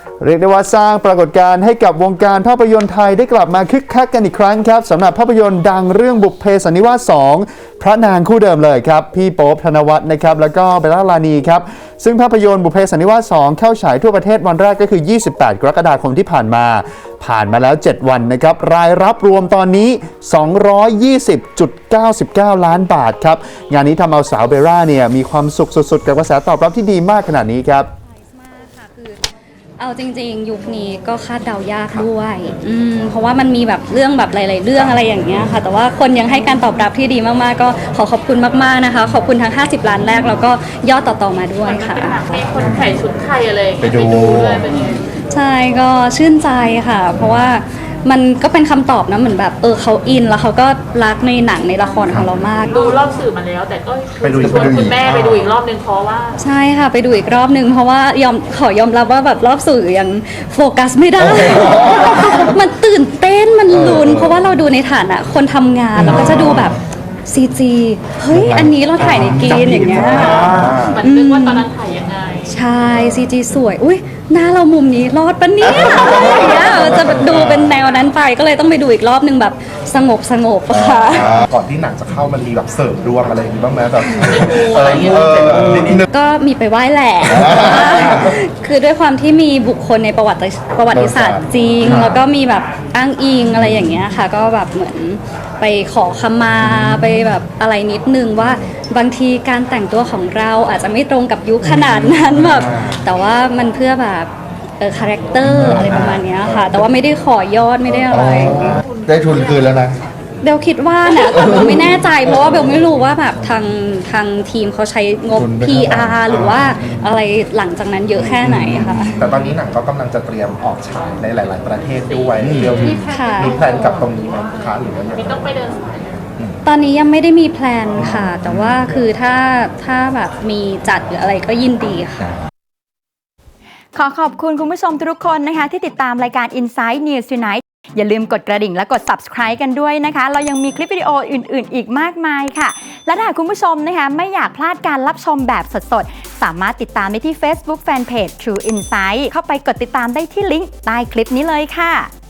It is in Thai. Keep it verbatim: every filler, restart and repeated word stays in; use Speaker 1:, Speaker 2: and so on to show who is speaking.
Speaker 1: เรียกได้ว่าสร้างปรากฏการณ์ให้กับวงการภาพยนตร์ไทยได้กลับมาคึกคักกันอีกครั้งครับสำหรับภาพยนตร์ดังเรื่องบุพเพสันนิวาสสองพระนางคู่เดิมเลยครับพี่โป๊ปธนวัฒน์นะครับแล้วก็เบลล่าลานีครับซึ่งภาพยนตร์บุพเพสันนิวาสสองเข้าฉายทั่วประเทศวันแรกก็คือยี่สิบแปดกรกฎาคมที่ผ่านมาผ่านมาแล้วเจ็ดวันนะครับรายรับรวมตอนนี้ สองร้อยยี่สิบจุดเก้าเก้า ล้านบาทครับงานนี้ทำเอาสาวเบลล่าเนี่ยมีความสุขสุดๆกับกระแสตอบรับที่ดีมากขนาดนี้ครับ
Speaker 2: เอาจริงๆยุคนี้ก็คาดเดายากด้วยอืมเพราะว่ามันมีแบบเรื่องแบบหลายๆเรื่องอะไรอย่างเงี้ยค่ะแต่ว่าคนยังให้การตอบรับที่ดีมากๆก็ขอขอบคุณมากๆนะคะขอบคุณทั้งห้าสิบล้านแรกแล้วก็ยอดต่อๆมาด้วยค่ะ
Speaker 3: ให้คนใส่ชุดไทยอะไร
Speaker 1: ไปดู
Speaker 3: ด้วยเป็นยังไง
Speaker 2: ใช่ก็ชื่นใจค่ะเพราะว่ามันก็เป็นคำตอบนะเหมือนแบบเออเขาอินแล้วเขาก็รักในหนังในละครของเรามาก
Speaker 3: ดูรอบสื่อมาแล้วแต่ก็
Speaker 1: ไปดู
Speaker 3: ชวนคุณแม่ไปดูอีกรอบนึงเพราะว่า
Speaker 2: ใช่ค่ะไปดูอีกรอบนึงเพราะว่ายอมขอยอมรับว่าแบบรอบสื่อยังโฟกัสไม่ได้ มันตื่นเต้นมันลุ้นเพราะว่าเราดูในฐานะคนทำงานเราก็จะดูแบบซีจีเฮ้ยอันนี้เราถ่ายในกรีนอย่างเงี้ย
Speaker 3: มันนึกว่าตอนนั้นถ่ายยังไง
Speaker 2: ใช่ซีจีสวยอุ้ยหน้าเรามุมนี้รอดปะเนี่ยอะไรอย่างเงี้ยจะดูเป็นแนวนั้นไปก็เลยต้องไปดูอีกรอบนึงแบบสงบสงบค่ะ
Speaker 4: ก่อนที่หนังจะเข้ามันมีแบบเสริมดวงอะไรอย่างงี้บ้างไหมแบบ
Speaker 3: เออเอ
Speaker 4: อ
Speaker 2: ก็มีไปไหว้แหละคือด้วยความที่มีบุคคลในประวัติประวัติศาสตร์จริงแล้วก็มีแบบอ้างอิงอะไรอย่างเงี้ยค่ะก็แบบเหมือนไปขอขมาไปแบบอะไรนิดนึงว่าบางทีการแต่งตัวของเราอาจจะไม่ตรงกับยุคขนาดนั้นแบบแต่ว่ามันเพื่อแบบเออคาแรคเตอร์อะไรประมาณนี้ค่ะแต่ว่าไม่ได้ขอยอดไม่ได้อะไร
Speaker 4: ได้ทุนคืนแล้วนะ
Speaker 2: เบลคิดว่านะแต่เบลไม่แน่ใจเพราะว่าเบลไม่รู้ว่าแบบทางทางทีมเขาใช้งบ พี อาร์ หรือว่าอะไรหลังจากนั้นเยอะแค่ไหนค่ะ
Speaker 4: แต่ตอนนี้หนังก็กำลังจะเตรียมออกฉายในหลาย ๆ ประเทศด้วยเบลมีมีแพลนกับตรงนี้ไหมคะหรือว่ายัง
Speaker 3: มีต้องไปเดินสาย
Speaker 2: ตอนนี้ยังไม่ได้มีแพลนค่ะแต่ว่าคือถ้าถ้าแบบมีจัดหรืออะไรก็ยินดีค่ะ
Speaker 5: ขอขอบคุณคุณผู้ชมทุกคนนะคะที่ติดตามรายการ Inside News Tonight อย่าลืมกดกระดิ่งและกด Subscribe กันด้วยนะคะเรายังมีคลิปวิดีโออื่นๆอีกมากมายค่ะและถ้าคุณผู้ชมนะคะไม่อยากพลาดการรับชมแบบสดๆสามารถติดตามได้ที่ Facebook Fanpage True Insight เข้าไปกดติดตามได้ที่ลิงก์ใต้คลิปนี้เลยค่ะ